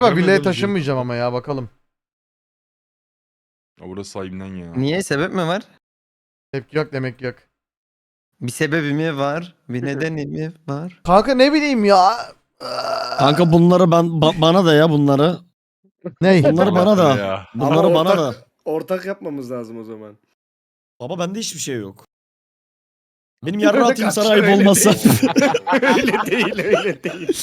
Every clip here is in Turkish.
Ama villaya taşınmayacağım ama ya bakalım. Ya burası sahibinden ya. Niye? Sebep mi var? Tepki yok demek yok. Bir sebebi mi var? Bir nedeni mi var? Kanka ne bileyim ya. Kanka bunları bana da ya bunları. Ney? Bunları bana da. Ya. Bunları Ama bana da. ortak yapmamız lazım o zaman. Baba bende hiçbir şey yok. Benim Öyle yarra atayım sana kaçar, ayıp öyle olmazsa. değil. Öyle değil, öyle değil.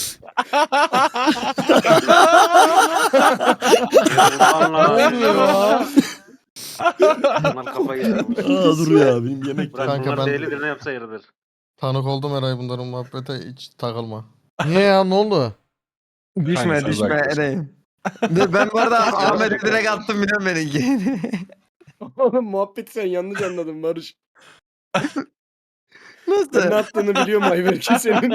Ne oluyor ya? Bunlar kafayı yer. Aa, dur ya benim yemek. Bırak Kanka bunlar ben- delidir ne yapsa yeridir. Tanık oldum Eray bunların muhabbete hiç takılma. Niye ya ne oldu? Düşme sen düşme haklısın. Eray'ım. Dur ben bu arada Ahmet'e direkt attım biliyorum benimki. Oğlum muhabbeti sen yanlış anladın Barış. Ben ne Nasıl? attığını biliyorum Ayberk'in senin.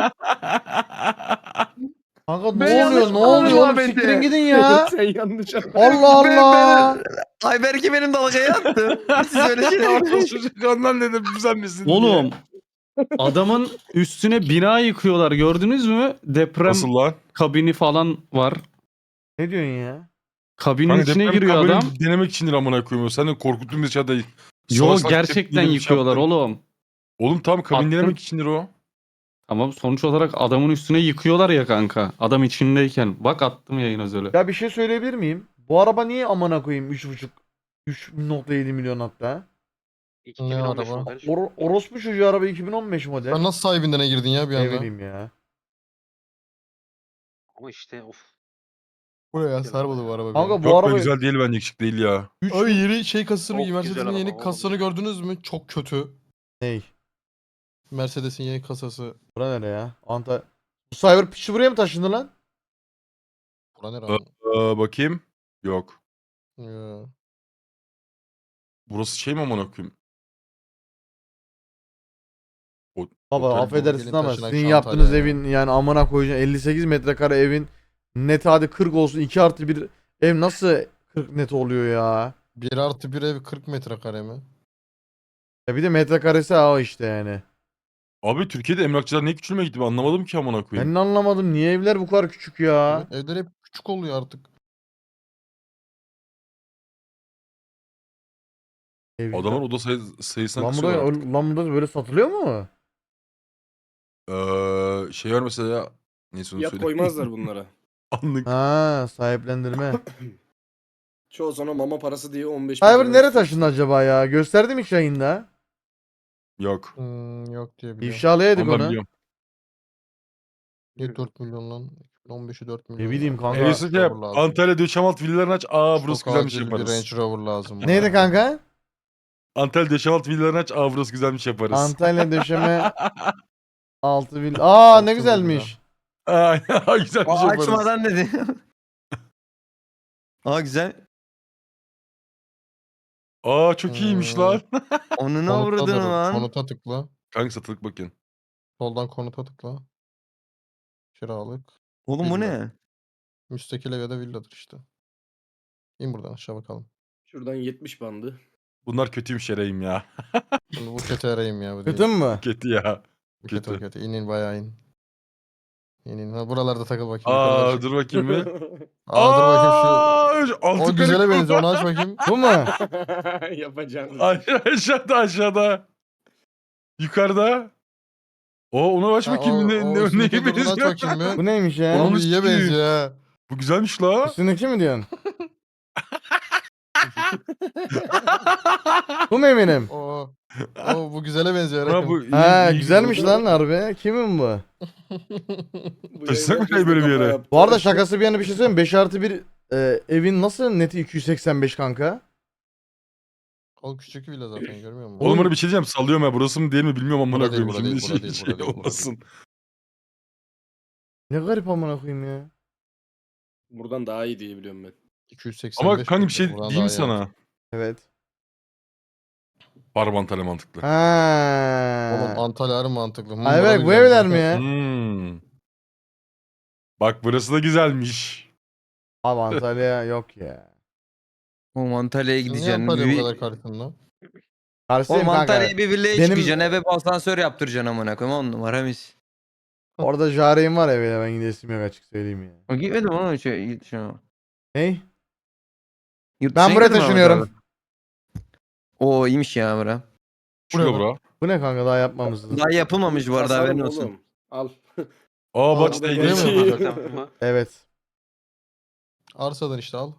Kanka Ben ne yanlış oluyor ne oluyor oğlum anladım siktirin Ahmet'i. gidin ya. Sen yanlış anladın. Allah Allah. Ayberk'i benim dalgaya attı. Siz öyle şey Çocuk ondan dedim sen misin Oğlum diye. adamın üstüne bina yıkıyorlar gördünüz mü? Deprem Nasıl lan? kabini falan var. Ne diyorsun ya? Kabinin Kanka içine deprem giriyor kabini adam. denemek içindir amına koyuyorum. Sen de korkuttun bizi dışarıda. Yo Salak salak gerçekten tepkiyle bir şey yıkıyorlar yaptın. oğlum. Oğlum tamam kabin Attım. denemek içindir o. Ama sonuç olarak adamın üstüne yıkıyorlar ya kanka. Adam içindeyken. Bak attım yayın özeli. Ya bir şey söyleyebilir miyim? Bu araba niye amına koyayım 3.5 3.7 milyon hatta? 2015 araba? model. Orospu çocuğu araba 2015 model. Sen nasıl sahibinden girdin ya bir Ne anda? bileyim ya. Ama işte of. Buraya sarmadı bu araba. Kanka benim. bu Çok da araba güzel değil bence şık değil ya. Abi yeni şey kasasını, Çok güzel Mercedes'in araba yeni oğlum. kasasını gördünüz mü? Çok kötü. ney? Mercedes'in yeni kasası. Bura nere ya? Bu Cyber piçi buraya mı taşındı lan? Bura ne lan? Bakayım. Yok. Ya. Burası şey mi amına koyayım? Baba Otel- affedersin gelin ama taşınak sizin şu yaptığınız Antalya'ya. evin yani amına koyacağın 58 metrekare evin net hadi 40 olsun 2 artı bir ev nasıl 40 net oluyor ya? 1+1 ev 40 metrekare mi? Ya bir de metrekaresi o işte yani. Abi Türkiye'de emlakçılar ne küçülmeye gitti ben anlamadım ki amına koyayım. Ben de anlamadım niye evler bu kadar küçük ya? Evet, evler hep küçük oluyor artık. Ev- Adamın oda sayısına Lan kısıyorlar artık. burada, lan burada böyle satılıyor mu? Şey var mesela neyse onu Fiyat söyleyeyim. koymazlar bunlara. Anlık. Ha sahiplendirme. Çoğu sonra mama parası diye 15 Cyber bin nereye lira taşındı acaba ya? Gösterdim hiç yayında. Yok. Yok diye biliyorum. İfşalayaydık Onu ben onu. biliyorum. Niye 4 milyon lan? 2015'i 4 milyon. bileyim ya. kanka. Range Eylül'de yap. Rover lazım. Antalya Döşemalt villalarını aç. Burası Çok güzelmiş acil bir yaparız. Range Rover lazım. bana. Neydi kanka? Antalya Döşemalt villalarını aç. Burası güzelmiş yaparız. Antalya döşeme 6 vil. Aa ne 6 güzelmiş. Güzelmiş O yaparız. açmadan dedi. Aa güzel. Çok iyiymiş lan. Onu ne Konuta vurdun da- lan? Konuta tıkla. Kanka satılık bakın. Soldan konuta tıkla. Kiralık. Oğlum bu Villa. ne? Müstakil ev ya da villadır işte. İn buradan aşağı bakalım. Şuradan 70 bandı. Bunlar kötüymüş Eray'ım ya. Şimdi bu kötü arayayım ya. Bu değil. Kötü mü? Kötü ya. Bu kötü, kötü. kötü. İn bayağı in. İn. Ha, buralarda takıl bakayım. yukarıda bir şey- Dur bakayım bir. Dur bakayım şu. Altı O güzele kırık. benziyor. Onu aç bakayım. Bu mu? Yapacağınız. Aşağıda. Yukarıda. Ona aç Ha, bakayım ne üstündeki neye durduğunu aç benziyor. bakayım bir. Bu neymiş ya? Oğlum Onu iyiye sikeyim. benziyor ha. Bu güzelmiş la. Üstündeki mi diyorsun? Bu mu eminim? Bu güzele benziyor. Ha, Eray'ım. bu Ha iyi güzelmiş güzel. lan harbi. Kimin bu? Bu Taşısak mı yayın böyle bir herkes de yere? kafa yaptı. Bu arada şakası bir yana bir şey söyleyeyim. 5 artı bir evin nasıl neti 285 kanka? O küçük villa zaten görmüyor musun? Oğlum bana bir şey diyeceğim sallıyorum ya burası mı değil mi bilmiyorum amına Bura değil, koyayım. bura değil, Şimdi bura değil, şey bura değil, bura olmasın. Ne garip amına koyayım ya. Buradan daha iyi diye biliyorum ben. 285 Ama kanka bir şey buradan diyeyim mi daha iyi sana? Evet. Barbantale mantıklı. Oğlum Ha. Antalya harbi mantıklı. Ay bak bu evler mi ya? Bak burası da güzelmiş. Abi Antalya yok ya. Oğlum Antalya'ya Niye gideceksin. Antalya bu Bir... kadar karşısın lan? Karşıyım Oğlum kanka. Antalya'ya bir villaya Benim- çıkacaksın. Eve bir asansör yaptıracaksın amına koyayım. 10 numara mis. Orada Jare'im var ya böyle ben gidesim yok açık söyleyeyim ya. O gitmedim oğlum yurt dışına. Ney? Yurt Ben dışına buraya gitmedin mi Ahmet taşınıyorum. abi? Oo iyiymiş ya bura. Şurada bura. Bu ne kanka daha yapmamışsınız. Daha yapılmamış bu arada Basalım haberin olsun. oğlum. Al. Aa bak Aa, işte buraya mı ilginç. yapılacak? Tamam mı? Evet. Arsadan işte al.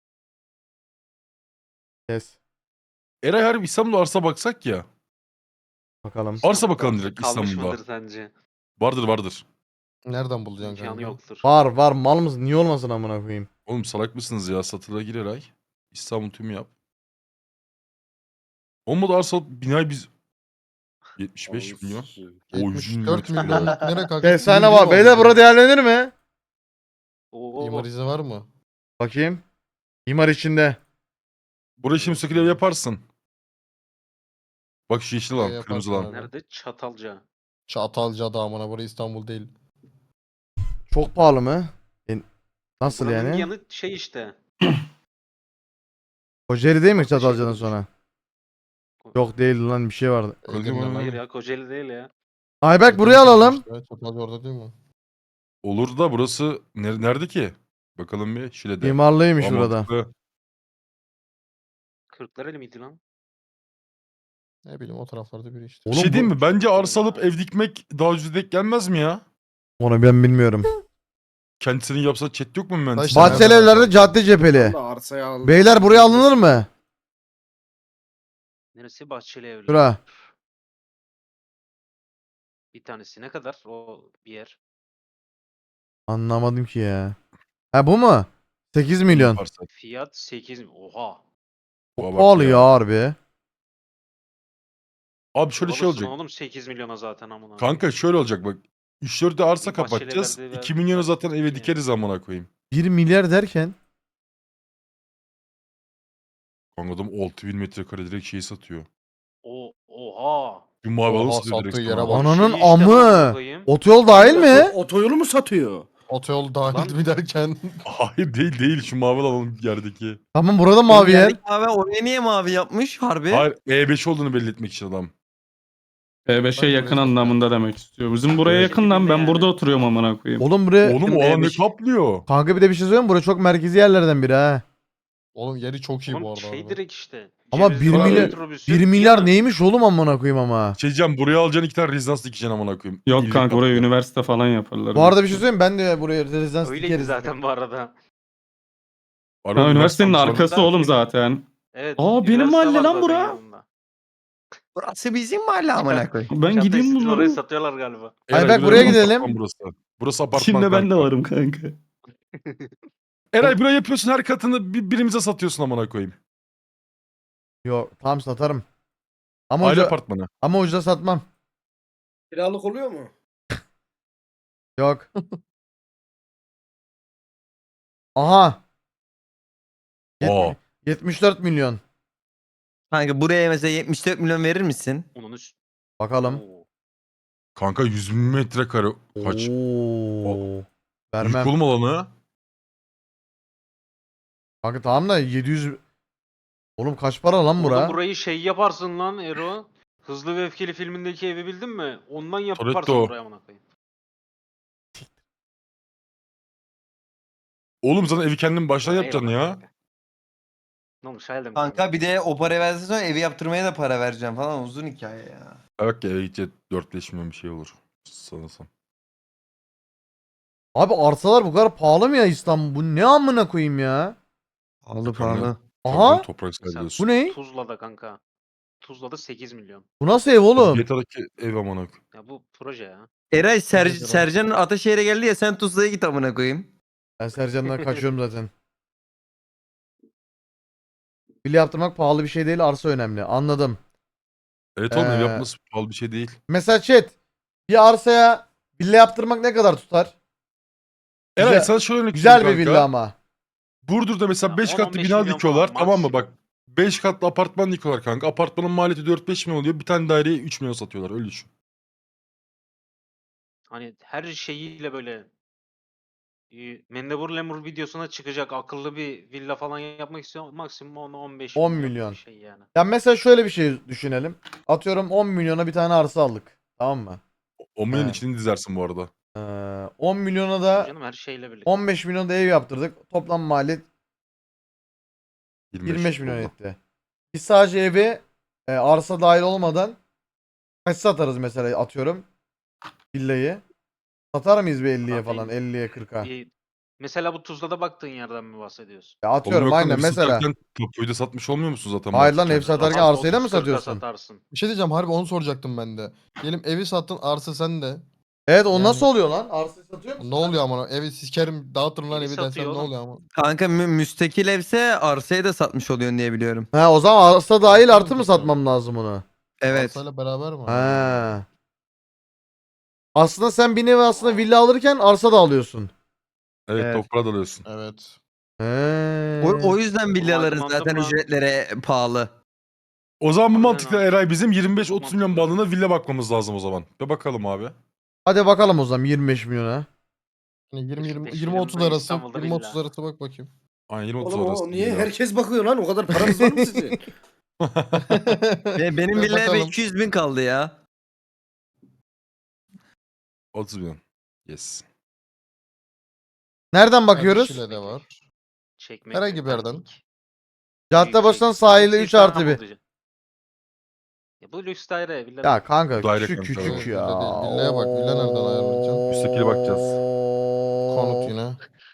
Kes. Eray harbi İstanbul'da arsa baksak ya. Bakalım. Arsa bakalım direkt Kalmış İstanbul'da. mıdır sence? Vardır. Nereden bulacaksın İmkanı kanka? yoktur. Var mal mısın? Niye olmasın amına koyayım? Oğlum salak mısınız ya? Satıla gir Eray. İstanbul tümü yap. Olmadı arsa binayı biz 75 milyon. O 74 milyon. milyon. Nereye kanka? Efsane var. Beyler burada değerlenir mi? Oo. İmar izni var mı? Bakayım. İmar içinde. Burayı şimdi sökülev yaparsın. Bak şu yeşil lan, Yaparsın kırmızı lan. abi. Nerede? Çatalca. Çatalca'da amına burası İstanbul değil. Çok pahalı mı? Nasıl Buranın yani? yanı şey işte. Kocaeli değil mi Başka Çatalca'dan şehir. sonra? Yok değil lan bir şey vardı. Kocaeli mi? Hayır ya Kocaeli değil ya. Ayberk buraya alalım. İşte, Çatalca orada değil mi? Olur da burası nerede ki? Bakalım bir Şile'de. İmarlıymış Aa, burada. mantıklı. Kırklareli miydi lan? Ne bileyim o taraflarda biri işte. Bir Oğlum şey diyeyim bu- mi? Bence arsa alıp ev dikmek daha ucuz denk gelmez mi ya? Onu ben bilmiyorum. Kendisinin yapsa chat yok mu mühendis? İşte Bahçeli evlerde cadde cepheli. Da arsaya al. Beyler buraya alınır mı? Neresi? Bahçeli Evler. Şura. Bir tanesi ne kadar? O bir yer. Anlamadım ki ya. Ha bu mu? 8 milyon. Yaparsa. Fiyat 8. Oha. Bak Çok pahalı ya harbi. Abi şöyle şey Alırsın olacak. oğlum 8 milyona zaten amına. Kanka şöyle olacak bak. 3-4 de arsa Bir bahçeli kapatacağız. evlerde 2 milyonu zaten eve yani. dikeriz amına koyayım. 1 milyar derken. Kanka adam 6000 metrekare direkt şeyi satıyor. Oha. Bir mavi Oha, alanı satıyor direkt sattığı sana. yere bak. Ananın Şey işte amına amı. koyayım. Otoyol dahil mi? Otoyolu mu satıyor? Otoyol dahil Lan- mi derken? Hayır değil şu mavi alanın yerdeki. Tamam burada mavi yer. Yerdeki Mavi oraya niye mavi yapmış harbi? Hayır E5 olduğunu belli etmek için adam. E5'e Ben yakın buraya- anlamında demek istiyor. Bizim buraya Evet. yakın lan ben Yani. burada oturuyorum amına koyayım. Oğlum buraya. Oğlum o alan ne E5. kaplıyor? Kanka bir de bir şey söyleyeyim mi? Burası çok merkezi yerlerden biri ha. Oğlum yeri çok iyi bu Oğlum arada. şey abi. direkt işte. Ama Cevizli 1 bağ milyar- metrobüsü, 1 milyar yanı. neymiş oğlum amına koyayım ama. Şey diyeceğim buraya alacaksın 2 tane rezidans dikeceksin amına koyayım. Yok İyilik kanka buraya kaplıyor. üniversite falan yaparlar. Bu arada bir şey söyleyeyim mi? Ben de buraya rezidans Öyleydi dikeriz. zaten bu arada. Arada Ha, üniversitenin üniversiteden arkası sonra- oğlum zaten. Evet. Aa, benim üniversite mahalle var lan zaten bura. yanında. Burası bizim mahalle amına koy. Ben Çatı gideyim üstü orayı bunları. satıyorlar galiba. Eray, Ayberk, buraya buraya burası gidelim. apartman Burası. Burası apartman İçinde ben de kanka. varım kanka. Eray buraya yapıyorsun her katını birimize satıyorsun amına koyayım. Yok tamam satarım. Ama Aile ucuza, apartmanı. ama ucuza satmam. Kiralık oluyor mu? Yok. Aha. Aa. 74 milyon. Kanka buraya mesela 74 milyon verir misin? Onun üst. Bakalım. Oo. Kanka 100 bin metrekare kaç? Oo. Büyük Vermem. oğlum alanı. Kanka tamam da 700. Oğlum kaç para lan Oğlum bura? burayı şey yaparsın lan Ero. Hızlı ve Öfkeli filmindeki evi bildin mi? Ondan yaparsın Toretto. buraya amına koyayım. Oğlum zaten evi kendin baştan Eyvallah yapacaksın ya. kanka. Ne olmuş hayaldim. Kanka bir de o para versen sonra evi yaptırmaya da para vereceğim falan uzun hikaye ya. Bak ya eve gidecek 4-5 milyon bir şey olur. Sanırsam. Abi arsalar bu kadar pahalı mı ya İstanbul? Bu ne amına koyayım ya? Pahalı Kanka. pahalı. Aha. Tabii toprak sahibiyorsun. Bu ne? Tuzla'da kanka. Tuzla'da 8 milyon. Bu nasıl ev oğlum? GTA'daki ev amına koyayım. Ya bu proje ya. Eray Nedir o? Sercan Ataşehir'e geldi ya sen Tuzla'ya git amına koyayım. Ben Sercan'dan kaçıyorum zaten. Villa yaptırmak pahalı bir şey değil, arsa önemli. Anladım. Evet oğlum ev Ee, yapması pahalı bir şey değil. Mesela chat, bir arsaya villa yaptırmak ne kadar tutar? Eray güzel- sana şöyle örnek Güzel bir vereyim kanka. villa ama. Burdur'da mesela Ya 5 katlı 10-15 bina milyon dikiyorlar falan tamam mı bak. maksimum. 5 katlı apartman dikiyorlar kanka. Apartmanın maliyeti 4-5 milyon oluyor. Bir tane daireyi 3 milyon satıyorlar öyle düşün. Hani her şeyiyle böyle Mendebur Lemur videosuna çıkacak akıllı bir villa falan yapmak istiyor. Maksimum 10-15 10 milyon milyon. bir şey yani. Ya mesela şöyle bir şey düşünelim. Atıyorum 10 milyona bir tane arsa aldık. Tamam mı? 10 milyon He. içini dizersin bu arada. 10 milyona da Canım her şeyle birlikte. 15 milyon da ev yaptırdık. Toplam maliyet 25 milyon oldu. etti. Biz sadece evi arsa dahil olmadan kaç satarız mesela atıyorum villayı. Satar mıyız bir 50'ye Abi, falan 50'ye 40'a? Mesela bu Tuzla'da baktığın yerden mi bahsediyorsun? Ya Oğlum atıyorum yok lan, aynen evi mesela. satarken tapuyu da satmış olmuyor musun zaten? Hayır lan, mantıken? ev satarken Abi arsayı da mı 30-40'a satıyorsun? satarsın. Bir şey diyeceğim, harbi onu soracaktım ben de. Diyelim evi sattın, arsa sende. Evet, o Yani- nasıl oluyor lan? Arsayı satıyor musun? Ne oluyor ama? Evi sikerim, dağıtırım lan Evi evi desem satıyor ne oğlum. oluyor ama? Kanka müstakil evse arsayı da satmış oluyorsun diye biliyorum. Ha, o zaman arsa dahil Arsayı artı mı mı satıyor? satmam lazım onu? Evet. Arsayla beraber mi? Ha. Aslında sen bir nevi aslında villa alırken arsa da alıyorsun. Evet, Evet. toprağa dalıyorsun. Evet. He. O yüzden villaların aydınlandım zaten lan. ücretleri pahalı. O zaman bu Harbiden mantıkla abi. Eray bizim Çok 25-30 milyon mantıklı. bandında villa bakmamız lazım o zaman. Bir bakalım abi. Hadi bakalım o zaman 25 milyona. Hani 25 20-30 milyonda arası, İstanbul'da 20-30 villa. arası bak bakayım. Aynen 20-30 Oğlum arası. o niye villa. herkes bakıyor lan? O kadar paranız var mı sizin? Benim Bir villaya bakalım. 200 bin kaldı ya. 30 milyon. Yes. Nereden Yani bakıyoruz? Şile'de var. Çekmek Herhangi bir yerden. Pendik. Caddebostan'dan sahilde Hepsi 3 artı 1. İstanbul'da. Ya bu lüks daire villa Ya değil. kanka Daire küçük kanka, küçük evet. ya. Villa değil, villaya bak. Villa nereden ayarlayacaksın? Müstakile bakacağız. Konut yine.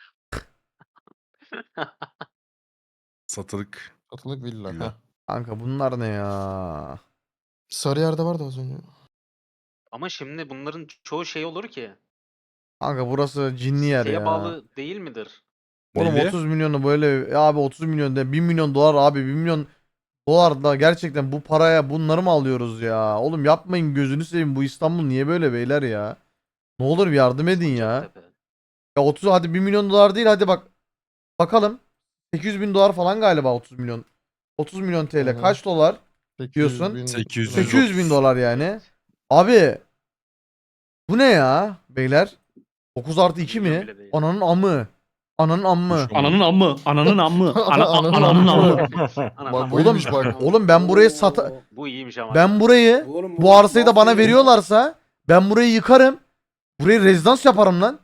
Satılık. Satılık villa. Villa. Heh. Kanka bunlar ne ya? Sarıyer'de vardı az önce. Ama şimdi bunların çoğu şey olur ki. Kanka burası cinli yer Siteye ya. bağlı değil midir? Oğlum Neyli? 30 milyonu böyle ya abi 30 milyon de 1 milyon dolar abi 1 milyon dolar da gerçekten bu paraya bunları mı alıyoruz ya? Oğlum yapmayın gözünü seveyim, bu İstanbul niye böyle beyler ya? Ne olur bir yardım edin ya. Sancaktepe. Ya 30 hadi 1 milyon dolar değil, hadi bak bakalım. 800 bin dolar falan galiba 30 milyon. 30 milyon TL Hı hı. kaç dolar? 800 Diyorsun. bin. 800 800 bin dolar yani. Evet. Abi bu ne ya beyler? 9 artı 2 Milyon mi? bile değil. Ananın amı. Ananın ammı. Ananın ammı. Ananın ammı. Ananın Ananın ammı. ammı. Ana, Bak, ana. bu iyiymiş bak. Oğlum ben burayı sata... Oo. Bu iyiymiş ama. Ben burayı Oğlum bu arsayı da bana mafya- veriyorlarsa ben burayı yıkarım. Burayı rezidans yaparım lan.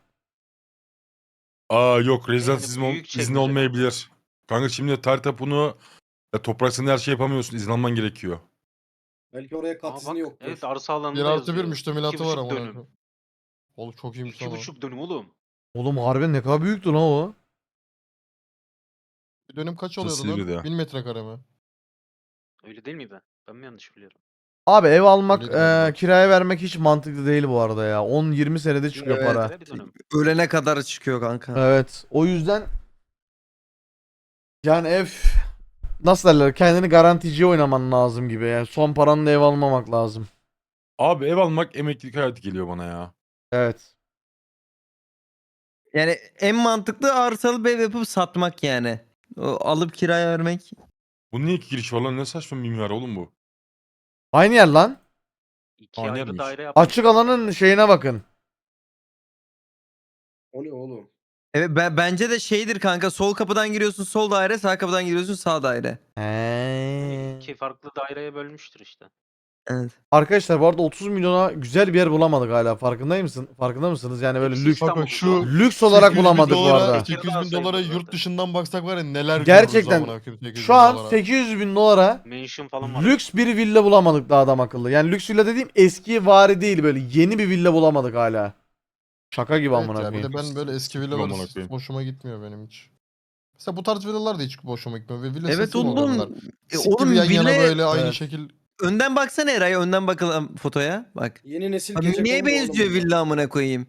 Aa yok, rezidans Yani izni, büyük izni çekmece olmayabilir. Kanka şimdi tarih tapunu toprak senin her şey yapamıyorsun. İzin alman gerekiyor. Belki oraya kat Aa, izni bak, yoktur. evet arsa alanında 1 artı 1 yazıyor. müştemilatı var 2,5 ama. dönüm. Oğlum çok iyiymiş lan o. 2,5 dönüm oğlum. Oğlum harbiden ne kadar büyüktü lan o. Bir dönüm kaç Burası oluyordu Silivri'de ya. lan? 1000 metrekare mi? Öyle değil miydi? Ben mi yanlış biliyorum? Abi ev almak, Öyleydi galiba. kiraya vermek hiç mantıklı değil bu arada ya. 10-20 senede çıkıyor Evet. para. Bir dönüm. Ölene kadar çıkıyor kanka. Evet. O yüzden yani ev nasıl derler, kendini garanticiye oynaman lazım gibi. Yani son paranla ev almamak lazım. Abi ev almak emeklilik hayatı geliyor bana ya. Evet. Yani en mantıklı arsalı bir ev yapıp satmak yani. O, alıp kiraya vermek. Bu niye iki giriş var lan? Ne saçma mimar oğlum bu. Aynı yer lan. 2 Aynı ayrı yermiş. daire yapmış. Açık alanın şeyine bakın. O ne oğlum? Evet bence de şeydir kanka, sol kapıdan giriyorsun sol daire, sağ kapıdan giriyorsun sağ daire. Yani He. 2 farklı daireye bölmüştür işte. Evet. Arkadaşlar bu arada 30 milyona güzel bir yer bulamadık hala. Farkında mısın? Farkında mısınız? Yani böyle Hepsi lüks İstanbul'da Kanka şu oğlum. lüks olarak 800 bin bulamadık bu dolara, arada. 800 bin Tekirdağ dolara sayılır yurt zaten. dışından baksak var ya neler Gerçekten görürüz amına koyayım 800 şu bin an dolara. 800 bin dolara Mansion falan var. lüks bir villa bulamadık daha adam akıllı. Yani lüks villa dediğim eski vari değil, böyle yeni bir villa bulamadık hala. Şaka gibi Evet amına ya, bir koyayım. de ben böyle eski Sıkıntı villalar amına koyayım. hoşuma gitmiyor benim hiç. Mesela bu tarz villalar da hiç hoşuma gitmiyor. Ve villa Evet sesi mi oluyor bunlar? oğlum. Sik Oğlum gibi yan yana villaya böyle aynı Evet. şekil. önden baksana Eray, önden bakalım fotoya. Bak. Yeni nesil Abi gece niye kondu oğlum benziyor bunlar. villa amına koyayım?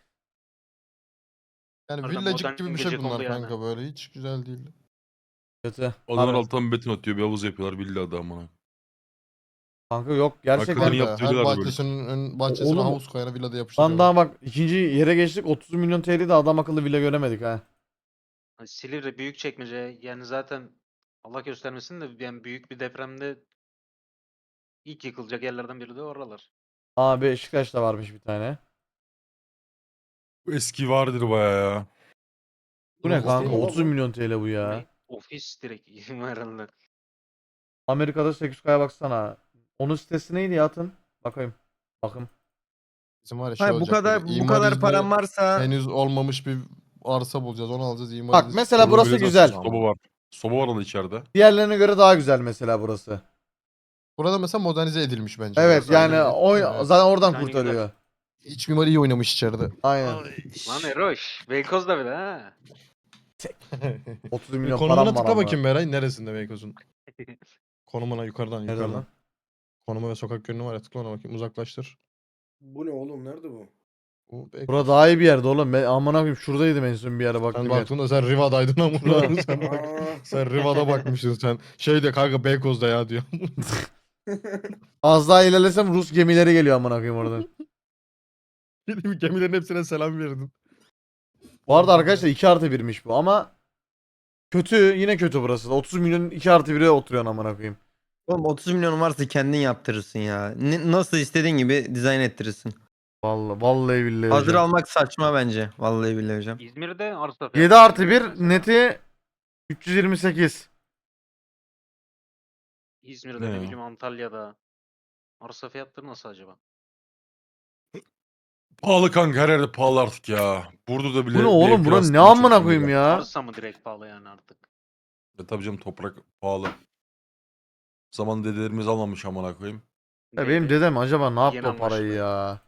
Yani Harbiden villacık modern gibi bir şey gecekondu bunlar yani. kanka, böyle hiç güzel değil. Kötü. Odalar Harbi. alttan beton atıyor. Bir havuz yapıyorlar villa da amına. Kanka yok Hakikaten gerçekten. iyi Kanka, yaptı her villalar böyle. bahçesinin bahçesine Oğlum, havuz koyana villada Lan yapıştırıyorlar. daha bak ikinci yere geçtik, 30 milyon TL'de adam akıllı villa göremedik ha. Hani Silivri, Büyükçekmece, yani zaten Allah göstermesin de yani büyük bir depremde ilk yıkılacak yerlerden biri de oralar. Aa Beşiktaş'ta varmış bir tane. Bu eski vardır baya ya. Bu ne Ofis kanka, değil mi 30 lan bu? milyon TL bu ya. Ne? Ofis direkt herhalde. Amerika'da 800K'ya baksana. Onun sitesi neydi ya, atın? Bakayım. Bakın. Bizim var ya şey Hayır, bu olacak kadar böyle, bu kadar İmariz'de param varsa henüz olmamış bir arsa bulacağız. Onu alacağız. Bak İmariz. mesela Orada burası bir de güzel. Soba var. Soba var orada içeride. Diğerlerine göre daha güzel mesela burası. Burada mesela modernize edilmiş bence. Evet burası. yani Evet. zaten oradan Dizaynı kurtarıyor. İç mimar iyi oynamış içeride. Aynen. Lan Eroş. Beykoz'da bir de ha. 30 Bir milyon konumuna param var tıkla ama. bakayım Beray. Neresinde Beykoz'un? Konumuna yukarıdan Nerede yukarıdan. lan? Konuma ve sokak yönünü var ya, tıkla ona bakayım. Uzaklaştır. Bu ne oğlum? Nerede bu? Bu Beykoz. Bura daha iyi bir yerde oğlum. Ben amına koyayım şuradaydım en son bir yere baktım. Sen ya. baktığında sen Riva'daydın ama sen, bak, Aa. sen Riva'da bakmışsın sen. Şeyde kanka Beykoz'da ya diyor. Az daha ilerlesem Rus gemileri geliyor amına koyayım oradan. Gemilerin hepsine selam verdin. Bu arada arkadaşlar 2+1'miş bu ama kötü, yine kötü burası da. 30 milyon 2+1'e oturuyorsun amına koyayım. Oğlum 30 milyon varsa kendin yaptırırsın ya. Nasıl istediğin gibi dizayn ettirirsin. Vallahi billahi Hazır hocam. almak saçma bence. Vallahi billahi hocam. İzmir'de arsa 7+1 neti 328. İzmir'de Ne ne ya? bileyim Antalya'da. Arsa fiyatları nasıl acaba? Pahalı kanka, her yerde pahalı artık ya. Burada bile Bu ne bir oğlum? ev Bura kirası ne 1300 amına bin koyayım lira. ya? Arsa mı direkt pahalı yani artık? Tabii canım, toprak pahalı. Zaman dedelerimiz almamış amına koyayım. Ya benim Neydi? dedem acaba ne yaptı Yeni o parayı anlaşıldı. ya?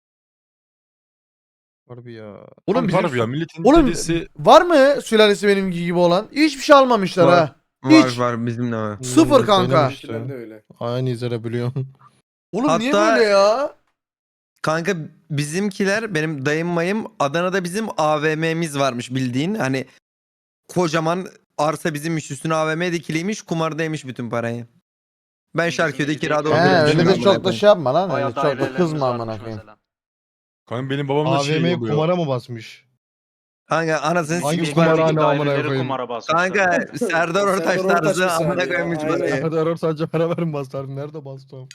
Harbi ya. Oğlum Kanka bizim harbi ya, milletin Oğlum dedesi var mı sülalesi benimki gibi olan? Hiçbir şey almamışlar Var. ha. Var Hiç. var bizim de var. Sıfır kanka. Benim Bizimkiler de öyle. Aynı izlere biliyorsun. Oğlum niye Hatta- böyle ya? Kanka bizimkiler benim dayım mayım Adana'da bizim AVM'miz varmış bildiğin. Hani kocaman arsa bizimmiş, üstüne AVM dikiliymiş, kumardaymış bütün parayı. Ben Bizim Şarköy'de evdeki kirada He, He oturuyorum. öyle şimdi de amına çok da koyayım. şey yapma lan. Öyle Bayağı çok da dairelerimiz kızma varmış amına koyayım. mesela. kanka benim babam da şey AVM'yi oluyor. kumara mı basmış? Kanka anasını Hangi sikeyim. kumarhane İçerideki amına daireleri koyayım? kumara basmışlar. Kanka Serdar Ortaç Serdar Ortaç tarzı misali amına ya, koyayım hiç aynen. parayı. Nerede arar sadece beraber mi bastı? Nerede bastı o?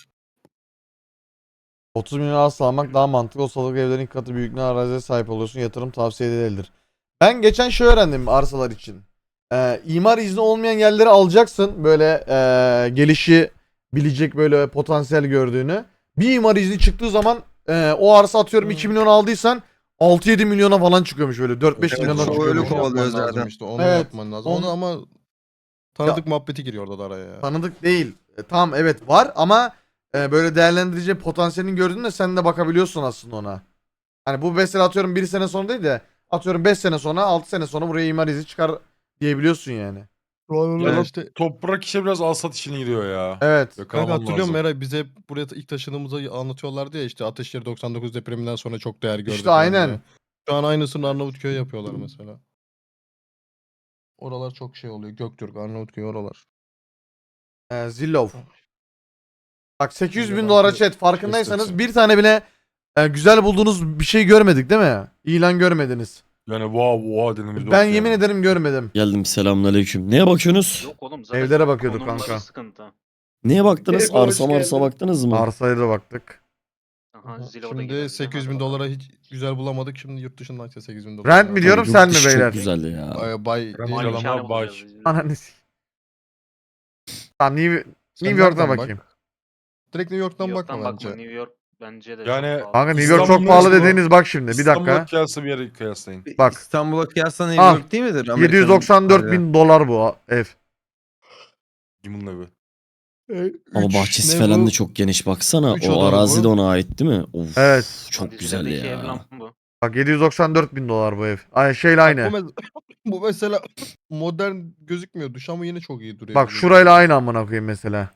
30 milyon arsa almak daha mantıklı. O salık evlerin ilk katı büyüklüğüne araziye sahip oluyorsun. Yatırım tavsiye edilebilir. Ben geçen şey öğrendim arsalar için. İmar izni olmayan yerleri alacaksın. Böyle gelişi bilecek böyle potansiyel gördüğünü. Bir imar izni çıktığı zaman o arsa atıyorum 2 milyon aldıysan 6-7 milyona falan çıkıyormuş böyle. 4-5 Evet, milyona o çıkıyormuş. öyle Onu kovalıyor yapman lazım zaten. işte. Onu Evet, yapman lazım. onu- Onu ama tanıdık muhabbeti giriyor orada da araya ya. Tanıdık değil. Tamam evet var ama böyle değerlendirici potansiyelini gördüğünde sen de bakabiliyorsun aslında ona. Hani bu mesela atıyorum 1 sene sonra değil de atıyorum 5 sene sonra 6 sene sonra buraya imar izni çıkar diyebiliyorsun yani. Şu an Ya işte toprak işe biraz alsat işine giriyor ya. Evet. Yok, kanka alman hatırlıyor musun lazım. Eray, bize buraya ilk taşındığımızda anlatıyorlardı ya, işte Ateşehir 99 depreminden sonra çok değer gördü. İşte falan aynen. diye. Şu an aynısını Arnavutköy'e yapıyorlar mesela. Oralar çok şey oluyor. Göktürk, Arnavutköy oralar. Zillow. Bak 800 bin Bence dolara belki chat farkındaysanız keşfetse. bir tane bile güzel bulduğunuz bir şey görmedik değil mi? İlan görmediniz. Yani wow dediğimiz Ben yok yemin yani. ederim görmedim. Geldim, selamünaleyküm. Neye bakıyorsunuz? Yok oğlum zaten Evlere bakıyorduk konumları kanka. sıkıntı. Neye baktınız? Merhaba, hoş Arsa marsa geldin. baktınız mı? Arsaya da baktık. Aha, Zillow'da Şimdi gidelim. 800 bin Hadi dolara bakalım. hiç güzel bulamadık. Şimdi yurt dışından işte 800 bin dolar. Rent mi diyorum, Yurt sen mi dışı beyler? Çok güzel ya. Bay Malikane Malikane bay. bulacağız biz. Ananı s- Tamam New Sen York'ta nereden bakayım. bak? Direkt New York'tan New bakma York'tan bence. bakma. New York bence de Yani- çok pahalı. Kanka New York çok İstanbul'da pahalı İstanbul- dediğiniz bak şimdi bir İstanbul'a dakika. kıyasla bir yere kıyaslayın. Bak. İstanbul'a kıyasla New Al. York değil midir? Amerika'nın 794 hali. bin dolar bu ev. Kimin evi? Ama Üç bahçesi ne falan bu? da çok geniş. Baksana, Üç o odalı arazi bu. de ona ait değil mi? Of, Evet. çok Lan güzel dizilerdeki ev ya. lan bu. Bak 794 bin dolar bu ev. Ay şeyle Bak, aynı. bu mesela modern gözükmüyor duş ama yine çok iyi duruyor. Bak şurayla aynı amına koyayım mesela.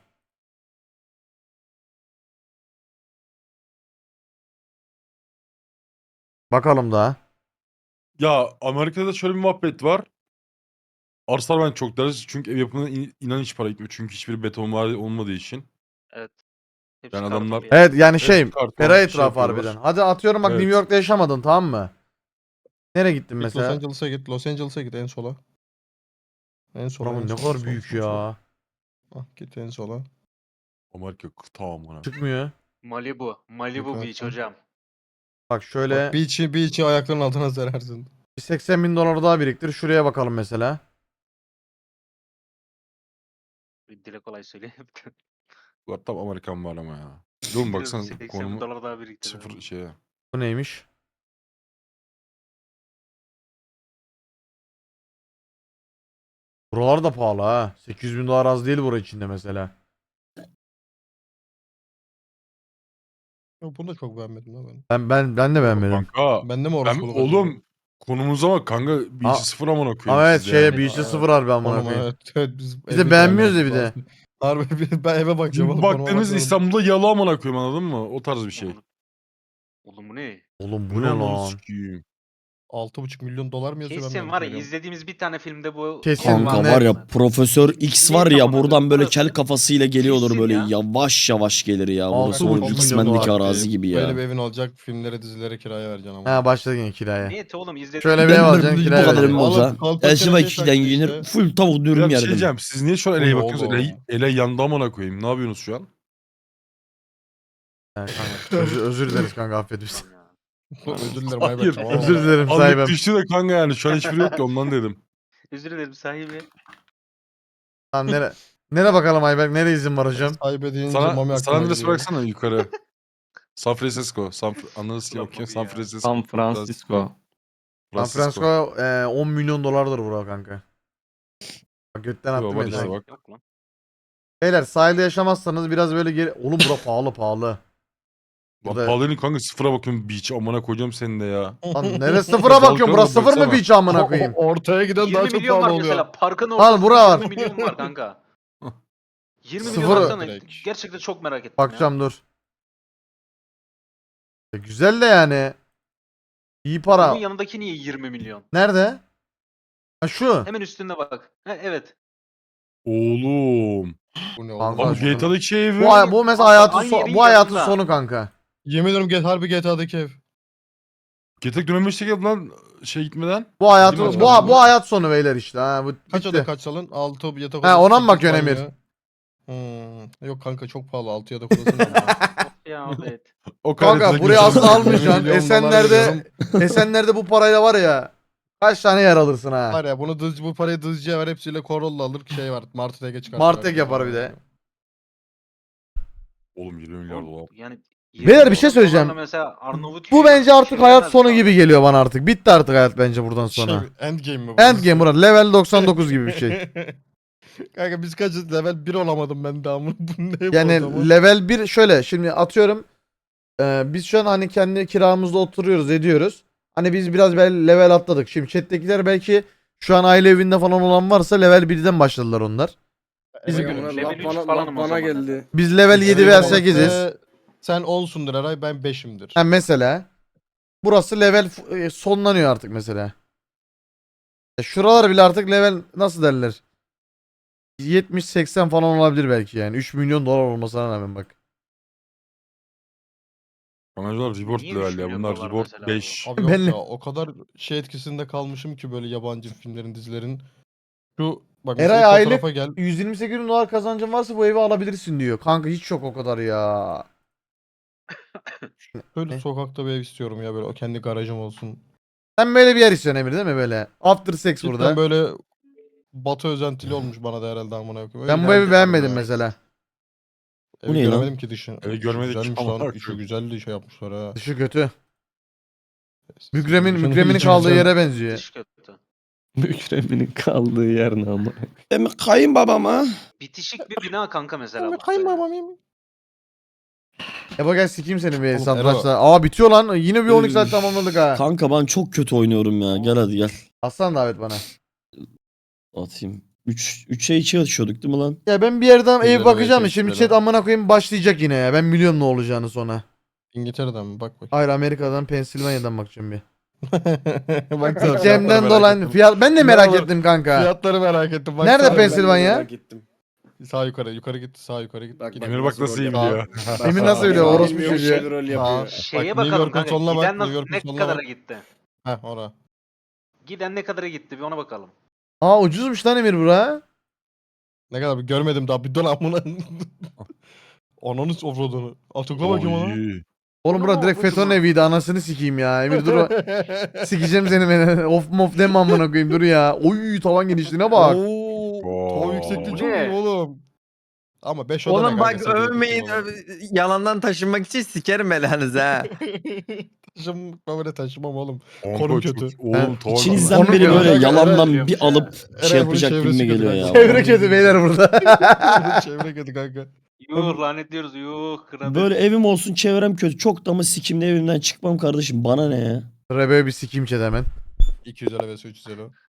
Bakalım daha. Ya Amerika'da da şöyle bir muhabbet var. Arsalar ben çok deriz çünkü ev yapımına inan hiç para gitmiyor. Çünkü hiçbir beton var olmadığı için. Evet. Hepsi Yani karton adamlar- bir yer. Evet yani şey Hepsi karton, ferah şey etrafı yapıyorlar. harbiden. Hadi atıyorum bak Evet. New York'ta yaşamadın tamam mı? Nereye gittin Git Los mesela? Angeles'a git. Los Angeles'a git en sola. En sola. Buranın en ne sola, kadar sol, büyük sol, sol. ya. Ah, git en sola. Amerika kıta amına. Çıkmıyor. Malibu. Malibu Yukarı Beach bak. hocam. Bak şöyle Bak beach'i ayaklarının altına serersin. bir 80 bin dolar daha biriktir. Şuraya bakalım mesela. Bir dile kolay söyleyeyim. Bu tam Amerikan var ama ya. Dur baksana 80 konumu dolar daha biriktirdim. sıfır şeye. Bu neymiş? Buralar da pahalı ha. 800 bin dolar az değil bura içinde mesela. Yok, bunu da çok beğenmedim lan ben. Ben de beğenmedim. Kanka. Bende mi Ben, orospuluk oğlum konumuza bak kanka. Bir Aa, işi sıfır amına koyayım Ama evet siz şeye yani. bir işe sıfır harbi amına Konum koyayım. evet biz Biz de evi beğenmiyoruz ya beğenmedik bir de. lazım. Harbi ben eve bakacağım Şimdi oğlum. konuma baktığınız bakmadım. İstanbul'da yalı amına koyayım anladın mı? O tarz bir şey. Oğlum bu ne? Oğlum bu Bu ne ne lan? lan? Sikiyim. 6,5 milyon dolar mı yazıyor ben de Kesin var ya görüyorum. izlediğimiz bir tane filmde bu Kesin Kanka net. var ya Profesör X var ya buradan böyle kel Burası kafasıyla geliyordur kesin böyle ya. yavaş yavaş gelir ya. Burası 6,5 o milyon X-Men'deki dolar. arazi gibi Böyle ya. bir evin olacak, filmlere dizilere kiraya vereceksin ama. Ha başladı yine kiraya. niyeti oğlum izlediğimiz Şöyle bir ev alacaksın Bu kiraya kadar vereceksin. evim olsa. Oğlum, koltuk Elşiva kenarı 2'den taktı giyinir. işte. Full tavuk Ya dürüm bir şey yerdim. diyeceğim. Siz niye şu an Bu Ele'ye ne bakıyorsunuz? oğlum? Ele yandı amına koyayım. Ne yapıyorsunuz şu an? Ha, kanka, özür dileriz kanka affet bizi. Özür dilerim Hayır. Aybek. Tamam. Özür dilerim Anlık sahibim. düştü de kanka yani. Şu an hiçbiri yok ki ondan dedim. Özür dilerim sahibi. Lan nere bakalım Ayberk? Nere izin var hocam? Sahibe deyince Mami Sana aklıma adres geliyor. bıraksana yukarı. San Francisco. Anladınız ki Ulan bakıyor. Mami San ya. Francisco. San Francisco. San Francisco 10 milyon dolardır bura kanka. Bak götten Yo, attım var ya. işte direkt. bak. Yok lan. Beyler sahilde yaşamazsanız biraz böyle geri... Oğlum bura pahalı pahalı. Lan Burada- pahalıyın kanka sıfıra bakıyorum beach amına koyacağım seni de ya. Lan neresi sıfıra bakıyorum? Burası sıfır mı Baksana. beach amına koyayım? Ortaya giden 20 daha çok milyon var pahalı oluyor. mesela. Parkın Al, ortasında bura var. 20 milyon var kanka. 20 Sıfır- milyon baksana. Direkt. Gerçekten çok merak ettim Bakacağım dur. Güzel de yani. İyi ya. para. Bunun yanındaki niye 20 milyon? Nerede? Ha şu. Hemen üstünde bak. Ha, evet. Oğlum. Bu ne Kanka, oğlum? Abi GTA'daki şey evi. Bu mesela hayatın Aynı yerin bu hayatın yanında. sonu kanka. Yemin ederim harbi GTA'daki ev. GTA dönemeçte geldi lan şey gitmeden. Bu hayatın Değil mi? bu hayat sonu beyler işte. Ha bu Kaç bitti. oda kaç salon? 6 yatak Ha, odası. ona mı 8 bakıyorsun banyo. Emir? Yok kanka çok pahalı 6 yatak odası ne ama? Ya evet. O Kanka kaydetecek buraya yaşamı- aslında almayacaksın. Milyon dolar Esenler'de veriyorum. Esenler'de bu parayla var ya. Kaç tane yer alırsın ha. Var ya bu parayı dızcıya ver hepsiyle Corolla alır şey var. Martı'ya çıkar. Martek yapar bir de. Oğlum 20 milyar dolar. Yani Beyler, bir şey söyleyeceğim. Mesela Arnavut Bu bence artık şey hayat demez sonu abi. gibi geliyor bana artık. Bitti artık hayat bence buradan sonra. Endgame mi bu? Endgame Murat. Level 99 gibi bir şey. Kanka biz kaçız level 1 olamadım ben daha bunu. Bu ne bu Yani adamı? level 1 şöyle şimdi atıyorum. Biz şu an hani kendi kiramızda oturuyoruz ediyoruz. Hani biz biraz level atladık. Şimdi chat'tekiler belki şu an aile evinde falan olan varsa level 1'den başladılar onlar. Bizim- Level üç bana, falanım o bana zaman geldi. Biz level 7 veya 8'iz. Sen 10'sundur Eray ben 5'imdir. Ha mesela. Burası level sonlanıyor artık mesela. Şuralar bile artık level nasıl derler? 70-80 falan olabilir belki yani. 3 milyon dolar olmasına rağmen bak. Kanalcılar reward Niye 3 level ya. milyon Bunlar dolar reward mesela 5. Abi yok Ben- ya o kadar şey etkisinde kalmışım ki böyle yabancı filmlerin dizilerin. Şu bak Eray mesela ilk aylık fotoğrafa gel. 128 bin dolar kazancın varsa bu evi alabilirsin diyor. Kanka hiç yok o kadar ya. Böyle sokakta bir ev istiyorum ya böyle o kendi garajım olsun. Sen böyle bir yer istiyorsun Emir değil mi böyle? After sex Cidden burada. böyle Batı özentili olmuş bana da herhalde amına koyayım. Ben Öyle bu bir evi ev beğenmedim istiyorum ya. mesela. Evi Bu ne lan? göremedim ki dışını. Evi İçi görmedik ki güzelmiş amına lan. İçi koyayım. güzeldi şey yapmışlar ha. Dışı kötü. Şunun Mükremin içi kaldığı güzel. yere benziyor. Dış kötü. Mükreminin kaldığı yer ne ama. Benim kayınbabama. Bitişik bir bina kanka mesela. Ben bak kayınbabam böyle. yemin. Ebo gel sikeyim seni bir Oğlum, satrançta. Aa bitiyor lan. Yine bir 12 saat Üf. tamamladık ha. Kanka ben çok kötü oynuyorum ya. Gel hadi gel. Aslan davet bana. Atayım. 3'e 2 açıyorduk değil mi lan? Ya ben bir yerden ev Güzel bakacağım. ev Şimdi seçtiler chat amına koyayım başlayacak yine ya. Ben biliyorum ne olacağını sonra. İngiltere'den mi? Bak bak. Hayır Amerika'dan Pensilvanya'dan bakacağım bir. Bak sen Cem'den fiyatları dolan merak fiyat ben de Ne merak olur, ettim kanka. Fiyatları merak ettim. Bak Nerede sağ- Pensilvanya? Merak ettim. Sağ yukarı git, sağ yukarı git. Bak, Git. bak. Emir bak nasıl iyi Sağ- biliyor. Emin nasıl biliyor? Benim Orospu bilmiyorum, çocuğu. şeyler öyle Sağ- yapıyor. Şeye New bakalım York'un kanka. sonuna bak, Giden New York'un ne sonuna kadara bak. gitti? Heh ora. Giden ne kadara gitti bir ona bakalım. Aa ucuzmuş lan Emir bura. Ne kadar bir görmedim daha bir dön amına. Ananı offroad'unu. Al tıkla bakayım ona. Oy. Oğlum bura direkt FETÖ'nün eviydi anasını sikeyim ya. Emir dur. Sikeceğim seni beni. Of mof deme amına koyayım dur ya. Oy tavan genişliğine bak. Oo, tavan yüksekliği çok Ne? iyi oğlum. Ama 5 oda Oğlum ne bak kanka, sekiz övmeyin. oda. Yalandan taşınmak için sikerim belanızı ha. Böyle taşımam oğlum. Kanka Konum çok- kötü. Oğlum tuval- İçinizden Onu biri biliyorum. böyle Evet, yalandan biliyorum. bir alıp Eray şey bunun yapacak çevresi gibime kötü geliyor ya. kanka. Çevre kötü beyler burada. Çevre kötü kanka. Yuh lanetliyoruz yuh kınadık. Böyle evim olsun çevrem kötü. Çok da mı sikimli evimden çıkmam kardeşim. Bana ne ya? Rebe bir sikeyim chat hemen. 250 vs 350.